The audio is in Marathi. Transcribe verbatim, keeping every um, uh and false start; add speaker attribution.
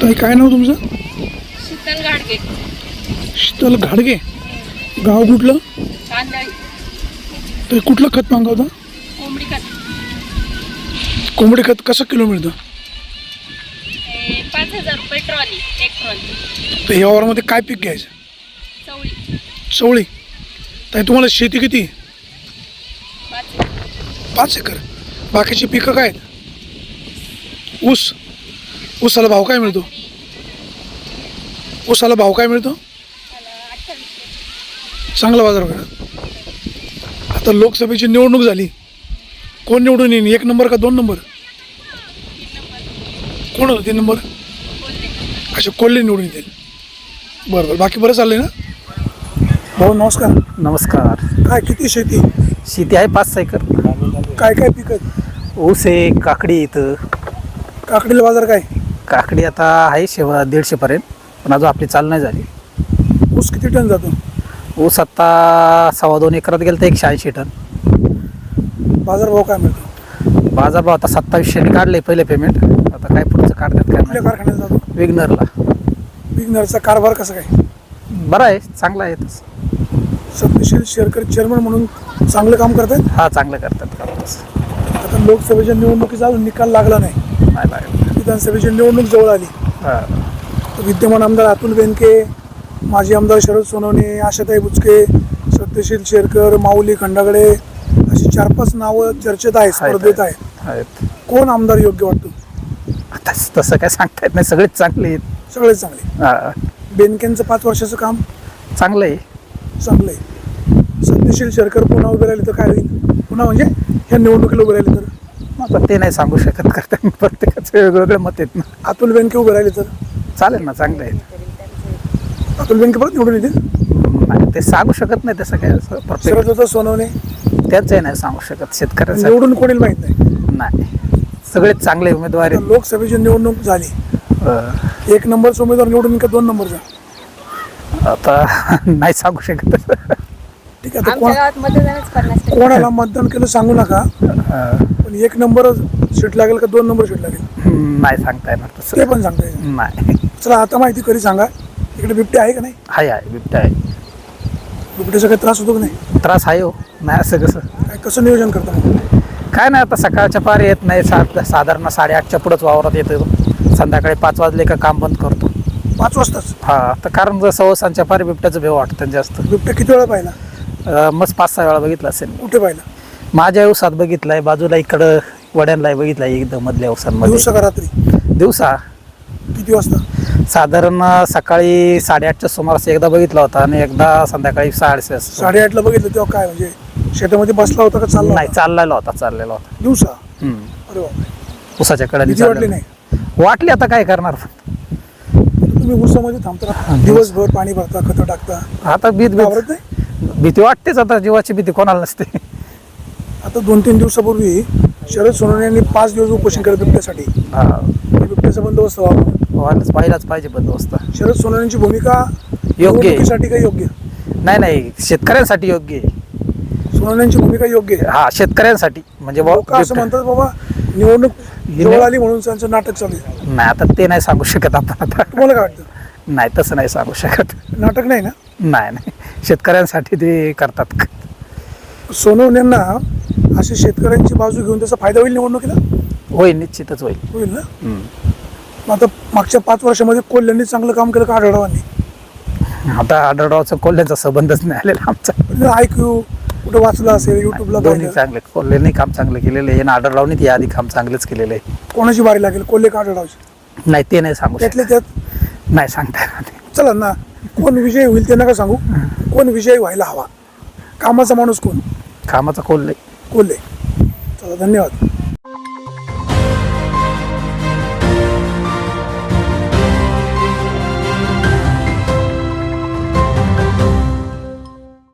Speaker 1: ताई काय नाव तुमचं?
Speaker 2: शीतल गाडगे.
Speaker 1: शीतल घाडगे. गाव कुठलं?
Speaker 2: कांदळी.
Speaker 1: ते कुठलं खत मागवता?
Speaker 2: कोंबडी खत.
Speaker 1: कोंबडी खत कसं किलो मिळतं?
Speaker 2: हे पाच हजार रुपये ट्रॉली, एक ट्रॉली.
Speaker 1: तर ह्या वावरामध्ये काय पीक घ्यायचं?
Speaker 2: चवळी.
Speaker 1: चवळी. ताई तुम्हाला शेती किती?
Speaker 2: पाच.
Speaker 1: पाच एकर. बाकीची पिकं काय आहेत? ऊस. ऊसाला भाव काय मिळतो? ऊसाला भाव काय मिळतो? चांगला बाजार मिळतो. आता लोकसभेची निवडणूक झाली, कोण निवडून येईल? एक नंबर का दोन नंबर? कोण होतं तीन नंबर? अच्छा, कोल्हे निवडून येतील. बरं बरं. बाकी बरं चाललंय ना? भाऊ नमस्कार.
Speaker 3: नमस्कार.
Speaker 1: काय किती शेती?
Speaker 3: शेती आहे पाच एकर.
Speaker 1: काय काय पिकं आहेत?
Speaker 3: ऊस आहे, काकडी इथं.
Speaker 1: काकडीला बाजार काय?
Speaker 3: काकडी आता आहे शेवा दीडशेपर्यंत, पण अजून आपली चाल नाही झाली.
Speaker 1: ऊस किती टन जातो?
Speaker 3: ऊस आत्ता सव्वा दोन एकरात गेलं तर एकशे ऐंशी टन.
Speaker 1: बाजार भाव काय मिळतो?
Speaker 3: बाजारभाव आता सत्तावीसशेने काढले पहिले पेमेंट, आता काय पुढचं काढतात काय
Speaker 1: कुठल्या कारखान्यात जातो?
Speaker 3: विग्नरला.
Speaker 1: विग्नरचा कारभार कसा काय?
Speaker 3: बरं आहे, चांगला आहे तसं.
Speaker 1: सत्यशील शेरकर चेअरमन म्हणून चांगलं काम करतात.
Speaker 3: हा, चांगलं करतात काम तसं.
Speaker 1: आता लोकसभेच्या निवडणुकीचा अजून निकाल लागला नाही.
Speaker 3: नाही लागलं.
Speaker 1: विधानसभेची निवडणूक जवळ आली.
Speaker 3: हां.
Speaker 1: तर विद्यमान आमदार अतुल बेनके, माजी आमदार शरद सोनवणे, आशाताई बुचके, सत्यशील शेरकर, माऊली खंडागळे अशी चार पाच नावं चर्चेत आहेत, स्पर्धेत आहेत.
Speaker 3: आहेत.
Speaker 1: कोण आमदार योग्य वाटतो?
Speaker 3: आता तसं काय सांगता येत नाही, सगळेच चांगले आहेत.
Speaker 1: सगळेच चांगले.
Speaker 3: हां,
Speaker 1: बेनकेंचं पाच वर्षाचं काम
Speaker 3: चांगलं आहे.
Speaker 1: चांगलं आहे. सत्यशील शेरकर पुन्हा उभे राहिले तर काय होईल? पुन्हा म्हणजे ह्या निवडणुकीला उभे राहिले तर?
Speaker 3: आता ते नाही सांगू शकत, करता प्रत्येकाचं वेगवेगळं मत आहेत ना.
Speaker 1: अतुल बेनके उभे राहिले तर?
Speaker 3: चालेल ना, चांगलं आहे.
Speaker 1: अतुल बेनके परत निवडून येतील?
Speaker 3: नाही, ते सांगू शकत नाही तसं काय.
Speaker 1: शरद होता सोनवणे
Speaker 3: त्याचंही नाही सांगू शकत. शेतकऱ्याचं
Speaker 1: निवडून कोणी माहित नाही.
Speaker 3: नाही, सगळेच चांगले उमेदवार
Speaker 1: आता
Speaker 3: आहेत.
Speaker 1: लोकसभेची निवडणूक झाली,
Speaker 3: अं,
Speaker 1: एक नंबरचा उमेदवार निवडून का दोन नंबरचा?
Speaker 3: आता नाही सांगू शकत.
Speaker 1: ठीक आहे. आता
Speaker 2: आमच्या
Speaker 1: कोण
Speaker 2: गावात मतदानच करणार.
Speaker 1: कोणाला मतदान केलं सांगू नका,
Speaker 3: अं,
Speaker 1: पण एक नंबर सीट लागेल का दोन नंबर सीट लागेल
Speaker 3: नाही सांगता येणार
Speaker 1: ते
Speaker 3: तसं.
Speaker 1: पण सांगता येईल.
Speaker 3: नाही.
Speaker 1: चला आता माहिती कधी सांगा, इकडे बिबटे आहे का नाही?
Speaker 3: आहे आहे बिबट्या आहे.
Speaker 1: बिबट्याचा काही त्रास होतो का नाही?
Speaker 3: त्रास आहे हो. नाही असं कसं
Speaker 1: काय कसं नियोजन करता मग?
Speaker 3: काय नाही, आता सकाळच्या पार येत नाही. सात साधारण साडेआठच्या पुढंच वावरात येतो. संध्याकाळी पाच वाजले का काम बंद करतो.
Speaker 1: पाच वाजताच?
Speaker 3: हा, तर कारण जर सव्वासांच्या पार बिबट्याचं भेव वाटतं जास्त.
Speaker 1: बिबट्या किती वेळा पाहिला?
Speaker 3: अं, मस्त पाच सहा वेळा बघितलं असेल.
Speaker 1: कुठे पाहिला?
Speaker 3: माझ्या उसात बघितलाय, बाजूला इकडं वड्यांना बघितलाय, एकदम मधल्या उसांमध्ये.
Speaker 1: दिवसा का रात्री?
Speaker 3: दिवसा.
Speaker 1: किती वाजता?
Speaker 3: साधारण सकाळी साडेआठच्या सुमारास एकदा बघितला होता आणि एकदा संध्याकाळी साडे
Speaker 1: साडेआठला बघितलं तेव्हा काय म्हणजे शेतामध्ये बसला होता का चालला
Speaker 3: नाही,
Speaker 1: होता?
Speaker 3: चाललेला होता चाललेला होता
Speaker 1: दिवसा?
Speaker 3: हम्म.
Speaker 1: अरे बापरे.
Speaker 3: उसाच्या कडे
Speaker 1: भीती वाटली नाही?
Speaker 3: वाटली, आता काय करणार.
Speaker 1: तुम्ही ऊसामध्ये थांबता, दिवसभर पाणी भरता, खतं टाकता,
Speaker 3: आता भीत
Speaker 1: घाबरत
Speaker 3: भीत
Speaker 1: नाही?
Speaker 3: भीती वाटतेच. आता जीवाची भीती कोणाला नसते.
Speaker 1: आता दोन तीन दिवसापूर्वी शरद सोनवणे यांनी पाच दिवस उपोषण केलं बिबट्यासाठी.
Speaker 3: हा,
Speaker 1: बिबट्याचा बंदोबस्त व्हावा.
Speaker 3: व्हायलाच पाहिलाच पाहिजे बंदोबस्त.
Speaker 1: शरद सोनवणेंची भूमिका
Speaker 3: योग्य आहे.
Speaker 1: निवडणुकीसाठी काय योग्य?
Speaker 3: नाही नाही, शेतकऱ्यांसाठी योग्य आहे.
Speaker 1: सोनवणेंची भूमिका योग्य आहे.
Speaker 3: हा, शेतकऱ्यांसाठी म्हणजे बुवा
Speaker 1: लोक असं म्हणतात बाबा निवडणूक जवळ आली म्हणून त्यांचं नाटक चालू आहे.
Speaker 3: नाही, आता ते नाही सांगू शकत आपण. आता
Speaker 1: तुम्हाला काय वाटतं?
Speaker 3: नाही, तसं नाही सांगू शकत.
Speaker 1: नाटक नाही ना?
Speaker 3: नाही नाही, शेतकऱ्यांसाठी ते करतात.
Speaker 1: सोनवणेंना अशी शेतकऱ्यांची बाजू घेऊन त्याचा फायदा होईल निवडणुकीला?
Speaker 3: होईल, निश्चितच होईल.
Speaker 1: होईल ना?
Speaker 3: हम्म.
Speaker 1: मग आता मागच्या पाच वर्षामध्ये कोल्ह्यांनी चांगलं काम केलं का आढळवांनी?
Speaker 3: आता आढळरावचा कोल्ह्यांचा संबंधच नाही आलेला आमचा.
Speaker 1: ऐकू कुठं वाचलं असेल, युट्यूबला
Speaker 3: दोन्ही
Speaker 1: पाहिलं.
Speaker 3: चांगले, कोल्ह्यांनी काम चांगलं केलेलं आहे आणि आढळरावनी ते आधी काम चांगलंच केलेलं आहे.
Speaker 1: कोणाची बारी लागेल, कोल्हे का आढळरावची?
Speaker 3: नाही, ते नाही सांगू
Speaker 1: त्यातले
Speaker 3: शकत.
Speaker 1: त्यात
Speaker 3: नाही सांगता येणार नाही.
Speaker 1: चला ना, कोण विजयी होईल ते नका सांगू, कोण विजयी व्हायला हवा? कामाचा माणूस कोण?
Speaker 3: कामाचा कोल्हे.
Speaker 1: कोल्हे. चला, धन्यवाद.